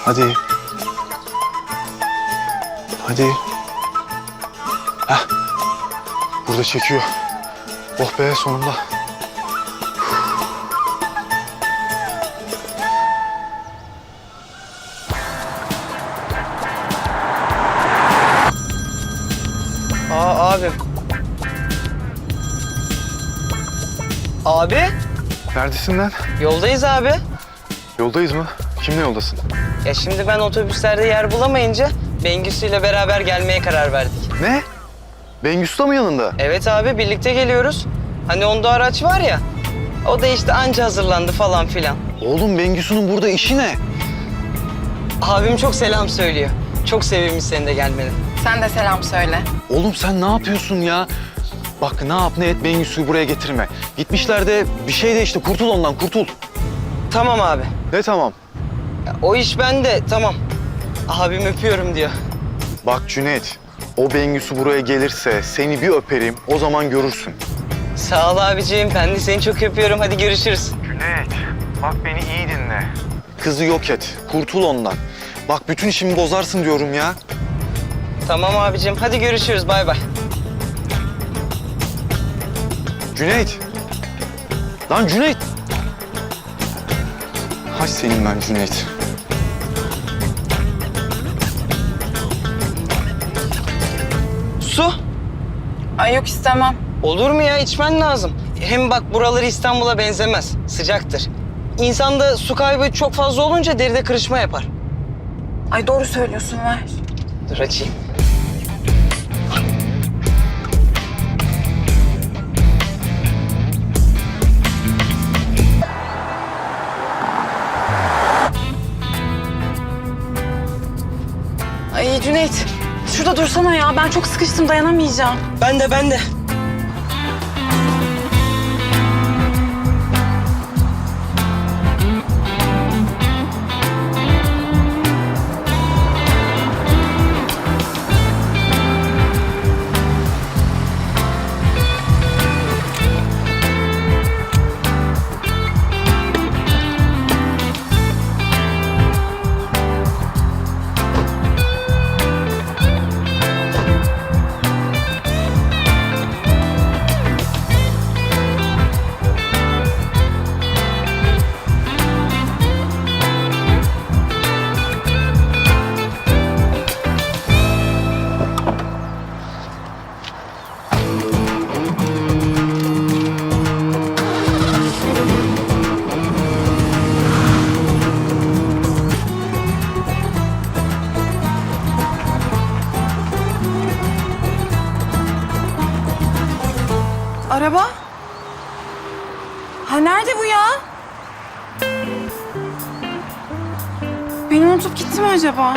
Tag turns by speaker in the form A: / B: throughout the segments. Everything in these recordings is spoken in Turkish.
A: Hadi. Hadi. Heh. Burada çekiyor. Oh be sonunda.
B: Abim. Abi,
A: Neredesin lan?
B: yoldayız abi.
A: Yoldayız mı? Kimle yoldasın?
B: Ya şimdi ben otobüslerde yer bulamayınca Bengüsü ile beraber gelmeye karar verdik.
A: Ne? Bengüsü mı yanında?
B: Evet abi, birlikte geliyoruz. Hani onda araç var ya, o da işte anca hazırlandı falan filan.
A: Oğlum Bengüsü'nün burada işi ne?
B: Abim çok selam söylüyor. Çok sevinmiş senin de gelmeni.
C: Sen de selam söyle.
A: Oğlum sen ne yapıyorsun ya? Bak ne yap ne et Bengüsü'yü buraya getirme. Gitmişler de bir şey de işte kurtul ondan kurtul.
B: Tamam abi.
A: Ne tamam?
B: Ya, o iş bende, tamam. Abim öpüyorum diyor.
A: Bak Cüneyt, o Bengüsü buraya gelirse seni bir öperim, o zaman görürsün.
B: Sağ ol abiciğim, ben de seni çok öpüyorum. Hadi görüşürüz.
A: Cüneyt, bak beni iyi dinle. Kızı yok et, kurtul ondan. Bak bütün işimi bozarsın diyorum ya.
B: Tamam abicim, hadi görüşürüz. Bay bay.
A: Cüneyt. Lan Cüneyt. Hay senin ben Cüneyt.
B: Su.
C: Ay yok istemem.
B: Olur mu ya? İçmen lazım. Hem bak buraları İstanbul'a benzemez. Sıcaktır. İnsanda su kaybı çok fazla olunca deride kırışma yapar.
C: Ay doğru söylüyorsun, ver.
B: Dur açayım.
C: Ay Cüneyt, şurada dursana ya. Ben çok sıkıştım, dayanamayacağım.
B: Ben de.
C: Araba? Ha nerede bu ya? Beni unutup gitti mi acaba?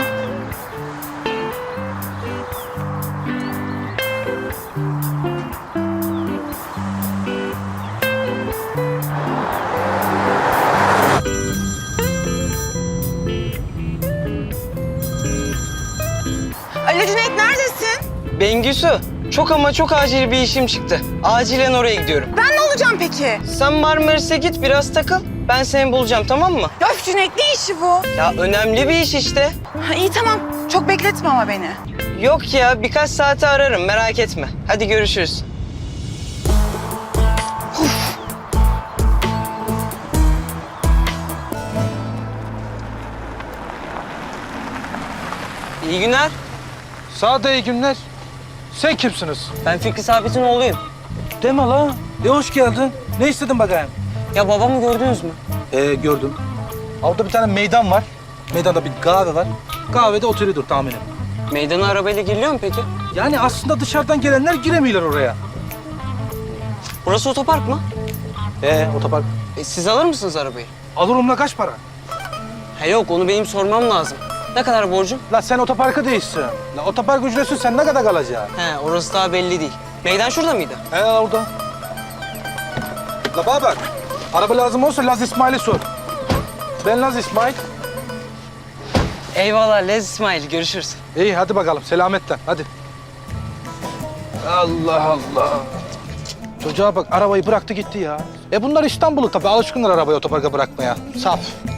C: Alo Cüneyt, neredesin?
B: Bengüsü, çok ama çok acil bir işim çıktı. Acilen oraya gidiyorum.
C: Ben ne olacağım peki?
B: Sen Marmaris'e git, biraz takıl. Ben seni bulacağım, tamam mı?
C: Ya öf Cüneyt, ne işi bu?
B: Ya önemli bir iş işte.
C: Ha, iyi tamam, çok bekletme ama beni.
B: Yok ya, birkaç saate ararım, merak etme. Hadi görüşürüz. İyi günler.
D: Sağ ol, iyi günler. Sen kimsiniz?
B: Ben Fikri Sabit'in oğluyum.
D: Deme la. Hoş geldin. Ne istedin bakayım?
B: Ya babamı gördünüz mü?
D: Gördüm. Orada bir tane meydan var. Meydanda bir kahve var. Kahvede oturuyordur tahminim.
B: Meydana arabayla giriliyor mu peki?
D: Yani aslında dışarıdan gelenler giremiyorlar oraya.
B: Burası otopark mı?
D: Otopark.
B: Siz alır mısınız arabayı?
D: Alırım la, kaç para?
B: He yok, onu benim sormam lazım. Ne kadar borcum?
D: La sen otoparkı değilsin. La otopark ücretsiz, sen ne kadar kalacaksın?
B: He, orası daha belli değil. Meydan şurada mıydı?
D: Orada. La bana bak. Araba lazım olsa Laz İsmail'e sor. Ben Laz İsmail.
B: Eyvallah Lez İsmail, görüşürüz.
D: İyi hadi bakalım, selametle hadi. Allah Allah. Çocuğa bak, arabayı bıraktı gitti ya. Bunlar İstanbul'u tabii, alışkınlar arabayı otoparka bırakmaya. Saf.